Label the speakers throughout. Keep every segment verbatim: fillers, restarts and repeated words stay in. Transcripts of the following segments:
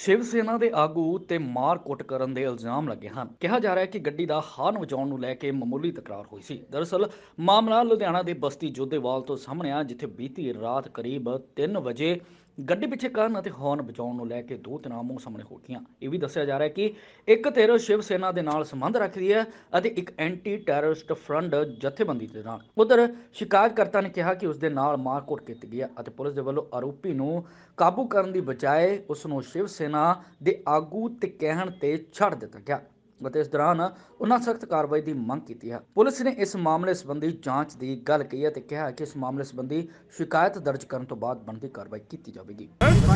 Speaker 1: शिव सेना ਦੇ ਆਗੂ ਤੇ ਮਾਰ ਕੁੱਟ ਕਰਨ ਦੇ ਇਲਜ਼ਾਮ ਲੱਗੇ ਹਨ। ਕਿਹਾ ਜਾ ਰਿਹਾ ਹੈ ਕਿ ਗੱਡੀ ਦਾ ਹਾਰਨ ਵਜਾਉਣ ਨੂੰ ਲੈ ਕੇ ਮਾਮੂਲੀ ਤਕਰਾਰ ਹੋਈ ਸੀ। ਦਰਅਸਲ ਮਾਮਲਾ ਲੁਧਿਆਣਾ ਦੇ ਬਸਤੀ ਜੋਧੇਵਾਲ ਤੋਂ ਸਾਹਮਣੇ ਆ, ਜਿੱਥੇ ਬੀਤੀ ਰਾਤ ਕਰੀਬ ਤਿੰਨ ਵਜੇ ਗੱਡੀ ਪਿੱਛੇ ਕਰਨ ਅਤੇ ਹਾਰਨ ਵਜਾਉਣ ਨੂੰ ਲੈ ਕੇ ਦੋ ਧਿਰਾਂ ਆਹਮੋ ਸਾਹਮਣੇ ਹੋ ਗਈਆਂ। ਇਹ ਵੀ ਦੱਸਿਆ ਜਾ ਰਿਹਾ ਹੈ ਕਿ ਇੱਕ ਧਿਰ ਸ਼ਿਵ ਸੈਨਾ ਦੇ ਨਾਲ ਸੰਬੰਧ ਰੱਖਦੀ ਹੈ ਅਤੇ ਇੱਕ ਐਂਟੀ ਟੈਰਰਿਸਟ ਫਰੰਟ ਜਥੇਬੰਦੀ ਦੇ ਨਾਲ। ਉਧਰ ਸ਼ਿਕਾਇਤਕਰਤਾ ਨੇ ਕਿਹਾ ਕਿ ਉਸ ਦੇ ਨਾਲ ਮਾਰਕੁੱਟ ਕੀਤੀ ਗਈ ਹੈ ਅਤੇ ਪੁਲਿਸ ਦੇ ਵੱਲੋਂ ਆਰੋਪੀ ਨੂੰ ਕਾਬੂ ਕਰਨ ਦੀ ਬਜਾਏ ਉਸ ਨੂੰ ਸ਼ਿਵ ਸੈਨਾ ਦੇ ਆਗੂ ਤੇ ਕਹਿਣ ਤੇ ਛੱਡ ਦਿੱਤਾ ਗਿਆ ਅਤੇ ਇਸ ਦੌਰਾਨ ਉਹਨਾਂ ਸਖਤ ਕਾਰਵਾਈ ਦੀ ਮੰਗ ਕੀਤੀ ਹੈ। ਪੁਲਿਸ ਨੇ ਇਸ ਮਾਮਲੇ ਸੰਬੰਧੀ ਜਾਂਚ ਦੀ ਗੱਲ ਕਹੀ ਹੈ ਤੇ ਕਿਹਾ ਕਿ ਇਸ ਮਾਮਲੇ ਸੰਬੰਧੀ ਸ਼ਿਕਾਇਤ ਦਰਜ ਕਰਨ ਤੋਂ ਬਾਅਦ ਬਣਦੀ ਕਾਰਵਾਈ ਕੀਤੀ ਜਾਵੇਗੀ।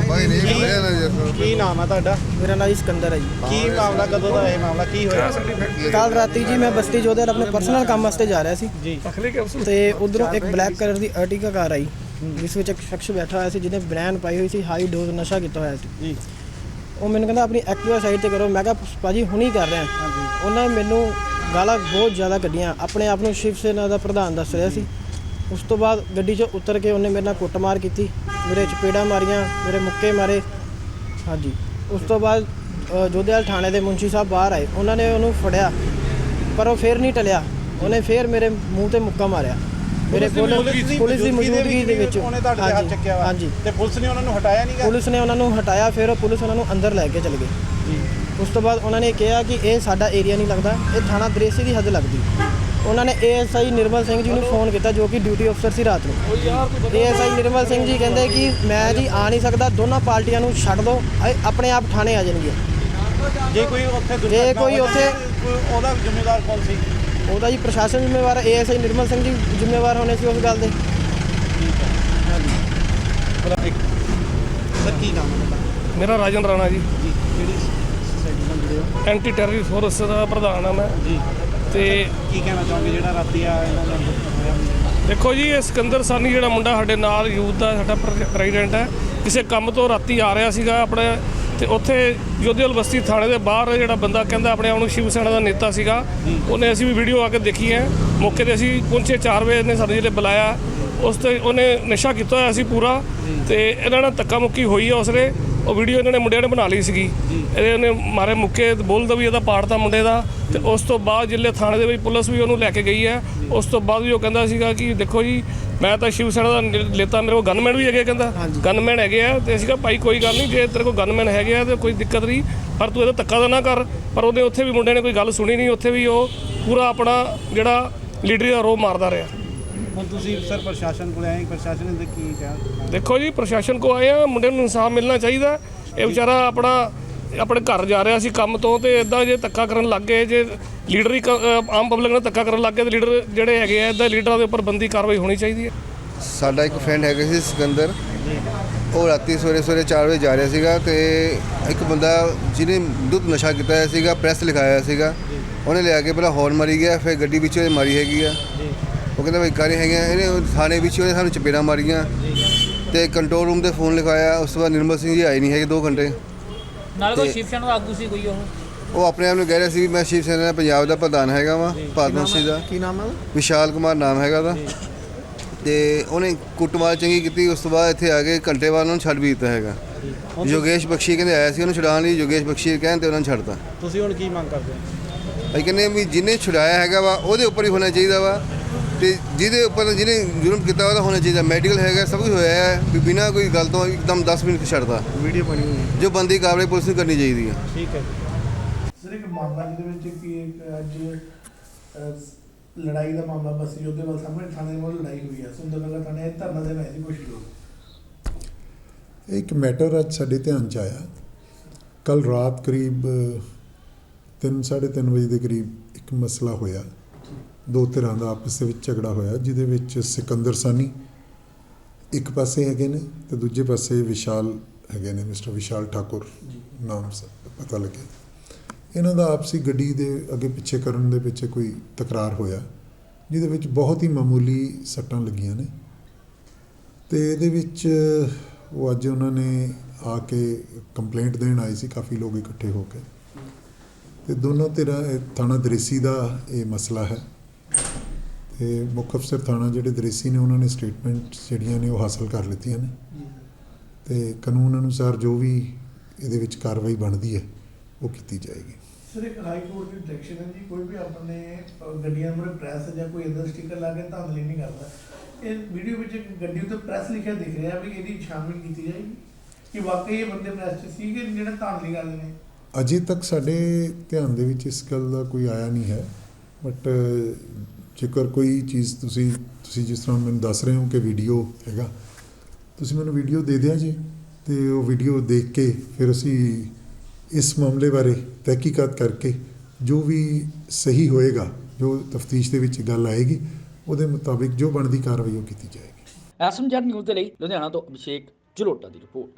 Speaker 2: ਕੀ ਨਾਮ ਹੈ ਤੁਹਾਡਾ?
Speaker 3: मेरा नाम सिकंदर है जी।
Speaker 2: ਕੀ ਮਾਮਲਾ, ਕਦੋਂ ਦਾ ਇਹ ਮਾਮਲਾ ਕੀ ਹੋਇਆ?
Speaker 3: ਕੱਲ ਰਾਤੀ ਜੀ ਮੈਂ ਬਸਤੀ ਜੋਧੇਵਾਲ ਆਪਣੇ ਪਰਸਨਲ ਕੰਮ ਵਾਸਤੇ ਜਾ ਰਿਹਾ ਸੀ
Speaker 2: ਜੀ
Speaker 3: ਤੇ ਉਧਰੋਂ ਇੱਕ ਬਲੈਕ ਕਲਰ ਦੀ ਅਰਟਿਗਾ ਕਾਰ ਆਈ ਜਿਸ ਵਿੱਚ ਇੱਕ ਸ਼ਖਸ ਬੈਠਾ ਹੋਇਆ ਸੀ ਜਿਹਨੇ ਬਨੈਨ ਪਾਈ ਹੋਈ ਸੀ, ਹਾਈ ਡੋਜ਼ ਨਸ਼ਾ ਕੀਤਾ ਹੋਇਆ ਸੀ
Speaker 2: ਜੀ।
Speaker 3: ਉਹ ਮੈਨੂੰ ਕਹਿੰਦਾ ਆਪਣੀ ਐਕਟਿਵਾ ਸਾਈਡ ਤੇ ਕਰੋ। ਮੈਂ ਕਿਹਾ ਭਾਜੀ ਹੁਣੀ ਕਰ ਰਿਹਾ। ਉਹਨਾਂ ਨੇ ਮੈਨੂੰ ਗਾਲਾਂ ਬਹੁਤ ਜ਼ਿਆਦਾ ਕੱਢੀਆਂ। ਆਪਣੇ ਆਪ ਨੂੰ ਸ਼ਿਵ ਸੈਨਾ ਦਾ ਪ੍ਰਧਾਨ ਦੱਸ ਰਿਹਾ ਸੀ। ਉਸ ਤੋਂ ਬਾਅਦ ਗੱਡੀ 'ਚੋਂ ਉਤਰ ਕੇ ਉਹਨੇ ਮੇਰੇ ਨਾਲ ਕੁੱਟਮਾਰ ਕੀਤੀ, ਮੇਰੇ ਚਪੇੜਾਂ ਮਾਰੀਆਂ, ਮੇਰੇ ਮੁੱਕੇ ਮਾਰੇ। ਹਾਂਜੀ, ਉਸ ਤੋਂ ਬਾਅਦ ਜੋਧੇਵਾਲ ਥਾਣੇ ਦੇ ਮੁੰਸ਼ੀ ਸਾਹਿਬ ਬਾਹਰ ਆਏ, ਉਹਨਾਂ ਨੇ ਉਹਨੂੰ ਫੜਿਆ ਪਰ ਉਹ ਫਿਰ ਨਹੀਂ ਟਲਿਆ। ਉਹਨੇ ਫਿਰ ਮੇਰੇ ਮੂੰਹ ਤੇ ਮੁੱਕਾ ਮਾਰਿਆ। ਮੇਰੇ ਕੋਲ ਪੁਲਿਸ ਦੀ ਮੌਜੂਦਗੀ ਦੇ ਵਿੱਚ
Speaker 2: ਉਹਨੇ ਤੁਹਾਡੇ ਤੇ ਹੱਥ ਚੱਕਿਆ ਵਾ।
Speaker 3: ਹਾਂਜੀ,
Speaker 2: ਤੇ ਪੁਲਿਸ ਨੇ ਉਹਨਾਂ ਨੂੰ ਹਟਾਇਆ ਨਹੀਂਗਾ?
Speaker 3: ਪੁਲਿਸ ਨੇ ਉਹਨਾਂ ਨੂੰ ਹਟਾਇਆ, ਫਿਰ ਪੁਲਿਸ ਉਹਨਾਂ ਨੂੰ ਅੰਦਰ ਲੈ ਕੇ ਚਲੇ ਗਏ ਜੀ। ਉਸ ਤੋਂ ਬਾਅਦ ਉਹਨਾਂ ਨੇ ਕਿਹਾ ਕਿ ਇਹ ਸਾਡਾ ਏਰੀਆ ਨਹੀਂ ਲੱਗਦਾ, ਇਹ ਥਾਣਾ ਦਰੇਸੀ ਦੀ ਹੱਦ ਲੱਗਦੀ। ਉਹਨਾਂ ਨੇ ਏਐਸਆਈ ਨਿਰਮਲ ਸਿੰਘ ਜੀ ਨੂੰ ਫੋਨ ਕੀਤਾ ਜੋ ਕਿ ਡਿਊਟੀ ਅਫਸਰ ਸੀ ਰਾਤ ਨੂੰ। ਏਐਸਆਈ ਨਿਰਮਲ ਸਿੰਘ ਜੀ ਕਹਿੰਦੇ ਕਿ ਮੈਂ ਜੀ ਆ ਨਹੀਂ ਸਕਦਾ, ਦੋਨਾਂ ਪਾਰਟੀਆਂ ਨੂੰ ਛੱਡ ਦਿਓ, ਇਹ ਆਪਣੇ ਆਪ ਥਾਣੇ ਆ ਜਾਣਗੇ।
Speaker 2: ਜੇ ਕੋਈ ਉੱਥੇ
Speaker 3: ਜੇ ਕੋਈ ਉੱਥੇ
Speaker 2: ਉਹਦਾ ਜ਼ਿੰਮੇਵਾਰ ਕੌਣ ਸੀ?
Speaker 3: ਉਹਦਾ ਜੀ ਪ੍ਰਸ਼ਾਸਨ ਜ਼ਿੰਮੇਵਾਰ ਹੈ, ਏਐਸਆਈ ਨਿਰਮਲ ਸਿੰਘ ਜੀ ਜ਼ਿੰਮੇਵਾਰ ਹੋਣੇ ਸੀ ਉਸ ਗੱਲ ਦੇ।
Speaker 2: ਸਰ ਕੀ ਨਾਮ ਹੈ ਤੁਹਾਡਾ?
Speaker 4: ਮੇਰਾ ਰਾਜਨ ਰਾਣਾ ਜੀ,
Speaker 2: ਜੀ ਕਿਹੜੀ ਸੋਸਾਇਟੀ ਨਾਲ ਜੁੜੇ ਹੋ?
Speaker 4: ਐਂਟੀ ਟੈਰਰਿਸਟ ਫੋਰਸ ਦਾ ਪ੍ਰਧਾਨ ਹਾਂ ਮੈਂ।
Speaker 2: ਜੀ
Speaker 4: ਤੇ
Speaker 2: ਕੀ ਕਹਿਣਾ ਚਾਹੋਗੇ ਜਿਹੜਾ ਰਾਤੀ ਆ ਇਹਨਾਂ ਦਾ ਹੋਇਆ?
Speaker 4: ਦੇਖੋ ਜੀ, ਇਹ ਸਿਕੰਦਰ ਸਾਨੀ ਜਿਹੜਾ ਮੁੰਡਾ ਸਾਡੇ ਨਾਲ ਯੂਥ ਦਾ ਸਾਡਾ ਪ੍ਰੈਜ਼ੀਡੈਂਟ ਹੈ, ਕਿਸੇ ਕੰਮ ਤੋਂ ਰਾਤੀ ਆ ਰਿਹਾ ਸੀਗਾ ਆਪਣੇ, ਤੇ ਉੱਥੇ ਜੋਧੇਵਾਲ ਬਸਤੀ ਥਾਣੇ ਦੇ ਬਾਹਰ ਜਿਹੜਾ ਬੰਦਾ ਕਹਿੰਦਾ ਆਪਣੇ ਆਪ ਨੂੰ ਸ਼ਿਵ ਸੈਨਾ ਦਾ ਨੇਤਾ ਸੀਗਾ, ਉਹਨੇ ਅਸੀਂ ਵੀ ਵੀਡੀਓ ਆ ਕੇ ਦੇਖੀ ਹੈ। ਮੌਕੇ 'ਤੇ ਅਸੀਂ ਪਹੁੰਚੇ, ਚਾਰ ਵਜੇ ਨੇ ਸਾਨੂੰ ਜਿਹੜੇ ਬੁਲਾਇਆ, ਉਸ 'ਤੇ ਉਹਨੇ ਨਸ਼ਾ ਕੀਤਾ ਹੋਇਆ ਸੀ ਪੂਰਾ, ਤੇ ਇਹਨਾਂ ਨਾਲ ਧੱਕਾ ਮੁੱਕੀ ਹੋਈ ਆ। ਉਸਨੇ ਉਹ ਵੀਡੀਓ ਇਹਨਾਂ ਨੇ ਮੁੰਡਿਆਂ ਨੇ ਬਣਾ ਲਈ ਸੀਗੀ। ਇਹਦੇ ਉਹਨੇ ਮਾਰੇ ਮੁੱਕੇ, ਬੋਲਦਾ ਵੀ ਇਹਦਾ ਪਾੜਤਾ ਮੁੰਡੇ ਦਾ। ਤੇ ਉਸ ਤੋਂ ਬਾਅਦ ਜਿੱਲੇ ਥਾਣੇ ਦੇ ਵਿੱਚ ਪੁਲਿਸ ਵੀ ਉਹਨੂੰ ਲੈ ਕੇ ਗਈ ਹੈ, ਉਸ ਤੋਂ ਬਾਅਦ ਵੀ ਉਹ ਕਹਿੰਦਾ ਸੀਗਾ ਕਿ ਦੇਖੋ ਜੀ ਮੈਂ ਤਾਂ ਸ਼ਿਵ ਸੈਨਾ ਦਾ ਨੇਤਾ, ਮੇਰੇ ਕੋਲ ਗਨਮੈਨ ਵੀ ਹੈਗੇ, ਕਹਿੰਦਾ ਗਨਮੈਨ ਹੈਗੇ ਆ। ਤੇ ਅਸੀਂ ਕਿਹਾ ਭਾਈ ਕੋਈ ਗੱਲ ਨਹੀਂ, ਜੇ ਤੇਰੇ ਕੋਲ ਗਨਮੈਨ ਹੈਗੇ ਆ ਤਾਂ ਕੋਈ ਦਿੱਕਤ ਨਹੀਂ, ਪਰ ਤੂੰ ਇਹਦਾ ਧੱਕਾ ਤਾਂ ਨਾ ਕਰ। ਪਰ ਉਹਦੇ ਉੱਥੇ ਵੀ ਮੁੰਡੇ ਨੇ ਕੋਈ ਗੱਲ ਸੁਣੀ ਨਹੀਂ, ਉੱਥੇ ਵੀ ਉਹ ਪੂਰਾ ਆਪਣਾ ਜਿਹੜਾ ਲੀਡਰੀ ਦਾ ਰੋਹ ਮਾਰਦਾ ਰਿਹਾ।
Speaker 2: ਹੁਣ ਤੁਸੀਂ ਸਰ ਪ੍ਰਸ਼ਾਸਨ ਕੋਲ ਆਏ, ਪ੍ਰਸ਼ਾਸਨ ਨੇ ਕੀ ਕਿਹਾ?
Speaker 4: ਦੇਖੋ ਜੀ, ਪ੍ਰਸ਼ਾਸਨ ਕੋ ਆਏ ਆ, ਮੁੰਡੇ ਨੂੰ ਇਨਸਾਫ ਮਿਲਣਾ ਚਾਹੀਦਾ। ਇਹ ਵਿਚਾਰਾ ਆਪਣਾ ਆਪਣੇ ਘਰ ਜਾ ਰਿਹਾ ਸੀ ਕੰਮ ਤੋਂ, ਤੇ ਇਦਾਂ ਜੇ ਧੱਕਾ ਕਰਨ ਲੱਗ ਗਏ, ਜੇ ਲੀਡਰ ਹੀ ਆਮ ਪਬਲਿਕ ਨਾਲ ਧੱਕਾ ਕਰਨ ਲੱਗ ਗਏ, ਤੇ ਲੀਡਰ ਜਿਹੜੇ ਹੈਗੇ ਆ ਇੱਦਾਂ ਲੀਡਰਾਂ ਦੇ ਉੱਪਰ ਬੰਦੀ ਕਾਰਵਾਈ ਹੋਣੀ ਚਾਹੀਦੀ ਹੈ।
Speaker 5: ਸਾਡਾ ਇੱਕ ਫਰੈਂਡ ਹੈਗਾ ਸੀ ਸਿਕੰਦਰ, ਉਹ ਰਾਤੀ ਸਵੇਰੇ ਸਵੇਰੇ ਚਾਰ ਵਜੇ ਜਾ ਰਿਹਾ ਸੀਗਾ, ਤੇ ਇੱਕ ਬੰਦਾ ਜਿਹਨੇ ਦੁੱਧ ਨਸ਼ਾ ਕੀਤਾ ਹੋਇਆ ਸੀਗਾ, ਪ੍ਰੈਸ ਲਿਖਾਇਆ ਸੀਗਾ, ਉਹਨੇ ਲਿਆ ਕੇ ਪਹਿਲਾਂ ਹੌਰਨ ਮਾਰੀ ਗਿਆ, ਫਿਰ ਗੱਡੀ ਵਿੱਚ ਉਹਨੇ ਮਾਰੀ ਹੈਗੀ ਆ। ਉਹ ਕਹਿੰਦਾ ਭਾਈ ਕਾਰੇ ਹੈਗੇ, ਇਹਨੇ ਥਾਣੇ ਵਿੱਚ ਉਹਨੇ ਸਾਨੂੰ ਚਪੇੜਾਂ ਮਾਰੀਆਂ ਤੇ ਕੰਟਰੋਲ ਰੂਮ ਤੇ ਫੋਨ ਲਿਖਾਇਆ। ਉਸ ਤੋਂ ਬਾਅਦ ਨਿਰਮਲ ਸਿੰਘ ਜੀ ਆਏ ਨਹੀਂ ਹੈਗੇ ਦੋ ਘੰਟੇ।
Speaker 6: ਨਾਲ ਕੋਈ ਸ਼ਿਵ ਸੈਨਾ ਦਾ ਆਗੂ ਸੀ ਕੋਈ? ਉਹ
Speaker 5: ਉਹ ਆਪਣੇ ਆਪ ਨੂੰ ਕਹਿ ਰਿਹਾ ਸੀ ਵੀ ਮੈਂ ਸ਼ਿਵ ਸੈਨਾ ਪੰਜਾਬ ਦਾ ਪ੍ਰਧਾਨ ਹੈਗਾ ਵਾ, ਭਾਰਤਵੰਸ਼ੀ ਦਾ।
Speaker 3: ਕੀ ਨਾਮ ਹੈ?
Speaker 5: ਵਿਸ਼ਾਲ ਕੁਮਾਰ ਨਾਮ ਹੈਗਾ ਉਹਦਾ। ਤੇ ਉਹਨੇ ਕੁੱਟਮਾਰ ਚੰਗੀ ਕੀਤੀ। ਉਸ ਤੋਂ ਬਾਅਦ ਇੱਥੇ ਆ ਕੇ ਘੰਟੇ ਬਾਅਦ ਉਹਨੂੰ ਛੱਡ ਵੀ ਦਿੱਤਾ ਹੈਗਾ। ਯੋਗੇਸ਼ ਬਖਸ਼ੀ ਕਹਿੰਦੇ ਆਇਆ ਸੀ ਉਹਨੂੰ ਛੁਡਾਉਣ ਲਈ, ਯੋਗੇਸ਼ ਬਖਸ਼ੀ ਕਹਿਣ ਤੇ ਉਹਨਾਂ ਨੂੰ ਛੱਡਤਾ।
Speaker 2: ਤੁਸੀਂ ਹੁਣ ਕੀ ਮੰਗ ਕਰਦੇ ਹੋ?
Speaker 5: ਅਸੀਂ ਕਹਿੰਦੇ ਵੀ ਜਿਹਨੇ ਛੁਡਾਇਆ ਹੈਗਾ ਵਾ ਉਹਦੇ ਉੱਪਰ ਹੀ ਹੋਣਾ ਚਾਹੀਦਾ ਵਾ, ਤੇ ਜਿਹਦੇ ਉੱਪਰ ਜਿਹਨੇ ਜੁਰਮ ਕੀਤਾ ਉਹਦਾ ਹੋਣਾ ਚਾਹੀਦਾ। ਮੈਡੀਕਲ ਹੈਗਾ, ਸਭ ਕੁਝ ਹੋਇਆ ਹੈ, ਵੀ ਬਿਨਾਂ ਕੋਈ ਗੱਲ ਤੋਂ ਇੱਕਦਮ ਦਸ ਮਿੰਟ ਛੱਡਦਾ।
Speaker 2: ਵੀਡੀਓ ਬਣੀ ਹੋਈ ਹੈ,
Speaker 5: ਜੋ ਬੰਦੀ ਕਾਰਵਾਈ ਪੁਲਿਸ ਨੂੰ ਕਰਨੀ ਚਾਹੀਦੀ ਹੈ।
Speaker 2: ਠੀਕ ਹੈ।
Speaker 7: ਸਰ ਇੱਕ ਮਾਮਲਾ ਜਿਹਦੇ ਵਿੱਚ ਕਿ ਇੱਕ ਅੱਜ ਅਹ, ਲੜਾਈ ਦਾ ਮਾਮਲਾ ਬਸਤੀ ਜੋਧੇਵਾਲ ਸਾਹਮਣੇ ਥਾਣੇ ਦੇ ਵੱਲ ਲੜਾਈ ਹੋਈ ਹੈ। ਸੁੰਦਰਨਗਰ ਥਾਣੇ ਧਰਨਾ ਦੇਣ ਆਏ ਸੀ ਕੁਛ ਲੋਕ।
Speaker 8: ਇੱਕ ਮੈਟਰ ਅੱਜ ਸਾਡੇ ਧਿਆਨ 'ਚ ਆਇਆ। ਕੱਲ ਰਾਤ ਕਰੀਬ ਤਿੰਨ ਸਾਢੇ ਤਿੰਨ ਵਜੇ ਦੇ ਕਰੀਬ ਇੱਕ ਮਸਲਾ ਹੋਇਆ, ਦੋ ਧਿਰਾਂ ਦਾ ਆਪਸ ਦੇ ਵਿੱਚ ਝਗੜਾ ਹੋਇਆ, ਜਿਹਦੇ ਵਿੱਚ ਸਿਕੰਦਰ ਸਾਨੀ ਇੱਕ ਪਾਸੇ ਹੈਗੇ ਨੇ ਤੇ ਦੂਜੇ ਪਾਸੇ ਵਿਸ਼ਾਲ ਹੈਗੇ ਨੇ, ਮਿਸਟਰ ਵਿਸ਼ਾਲ ਠਾਕੁਰ ਨਾਮ ਪਤਾ ਲੱਗਿਆ। ਇਹਨਾਂ ਦਾ ਆਪਸੀ ਗੱਡੀ ਦੇ ਅੱਗੇ ਪਿੱਛੇ ਕਰਨ ਦੇ ਪਿੱਛੇ ਕੋਈ ਤਕਰਾਰ ਹੋਇਆ, ਜਿਹਦੇ ਵਿੱਚ ਬਹੁਤ ਹੀ ਮਾਮੂਲੀ ਸੱਟਾਂ ਲੱਗੀਆਂ ਨੇ। ਤੇ ਇਹਦੇ ਵਿੱਚ ਉਹ ਅੱਜ ਉਹਨਾਂ ਨੇ ਆ ਕੇ ਕੰਪਲੇਂਟ ਦੇਣ ਆਏ ਸੀ, ਕਾਫੀ ਲੋਕ ਇਕੱਠੇ ਹੋ ਕੇ। ਤੇ ਦੋਨੋਂ ਧਿਰਾਂ, ਥਾਣਾ ਦਰੇਸੀ ਦਾ ਇਹ ਮਸਲਾ ਹੈ। ਤੇ ਮੁੱਖ ਅਫਸਰ ਥਾਣਾ ਜਿਹੜੇ ਦਰੇਸੀ ਨੇ ਉਹਨਾਂ ਨੇ ਸਟੇਟਮੈਂਟ ਜਿਹੜੀਆਂ ਨੇ ਉਹ ਹਾਸਲ ਕਰ ਲਿੱਤੀਆਂ ਨੇ, ਤੇ ਕਾਨੂੰਨ ਅਨੁਸਾਰ ਜੋ ਵੀ ਇਹਦੇ ਵਿੱਚ ਕਾਰਵਾਈ ਬਣਦੀ ਹੈ ਉਹ ਕੀਤੀ ਜਾਏਗੀ।
Speaker 7: ਸਰ ਇੱਕ ਹਾਈ ਕੋਰਟ ਦੀ ਡਾਇਰੈਕਸ਼ਨ ਹੈ ਜੀ, ਕੋਈ ਵੀ ਆਪਣੇ ਅ, ਗੱਡੀਆਂ ਮੂਹਰੇ ਪ੍ਰੈਸ ਜਾਂ ਕੋਈ ਇੱਦਾਂ ਸਟicker ਲਾ ਕੇ ਧਾਂਦਲੀ ਨਹੀਂ ਕਰਦਾ। ਇਹ ਵੀਡੀਓ ਵਿੱਚ ਇੱਕ ਗੱਡੀ ਉੱਤੇ ਪ੍ਰੈਸ ਲਿਖਿਆ ਦਿਖ ਰਿਹਾ ਵੀ ਇਹਦੀ ਛਾਨਬੀਨ ਕੀਤੀ ਜਾਏਗੀ ਕਿ ਵਾਕਈ ਇਹ ਬੰਦੇ ਪ੍ਰੈਸ 'ਚ ਸੀ ਕਿ ਜਿਹੜੇ ਧਾਂਦਲੀ ਕਰਦੇ ਨੇ।
Speaker 8: ਅਜੇ ਤੱਕ ਸਾਡੇ ਧਿਆਨ ਦੇ ਵਿੱਚ ਇਸ ਗੱਲ ਦਾ ਕੋਈ ਆਇਆ ਨਹੀਂ ਹੈ, ਬਟ ਜੇਕਰ ਕੋਈ ਚੀਜ਼ ਤੁਸੀਂ ਤੁਸੀਂ ਜਿਸ ਤਰ੍ਹਾਂ ਮੈਨੂੰ ਦੱਸ ਰਹੇ ਹੋ ਕਿ ਵੀਡੀਓ ਹੈਗਾ, ਤੁਸੀਂ ਮੈਨੂੰ ਵੀਡੀਓ ਦੇ ਦਿਆ ਜੀ, ਅਤੇ ਉਹ ਵੀਡੀਓ ਦੇਖ ਕੇ ਫਿਰ ਅਸੀਂ ਇਸ ਮਾਮਲੇ ਬਾਰੇ ਤਹਿਕੀਕਾਤ ਕਰਕੇ ਜੋ ਵੀ ਸਹੀ ਹੋਏਗਾ, ਜੋ ਤਫਤੀਸ਼ ਦੇ ਵਿੱਚ ਗੱਲ ਆਏਗੀ, ਉਹਦੇ ਮੁਤਾਬਿਕ ਜੋ ਬਣਦੀ ਕਾਰਵਾਈ ਉਹ ਕੀਤੀ ਜਾਏਗੀ।
Speaker 1: ਐਸਐਮਜੈਡ ਨਿਊਜ਼ ਦੇ ਲਈ ਲੁਧਿਆਣਾ ਤੋਂ ਅਭਿਸ਼ੇਕ ਜਲੋਟਾ ਦੀ ਰਿਪੋਰਟ।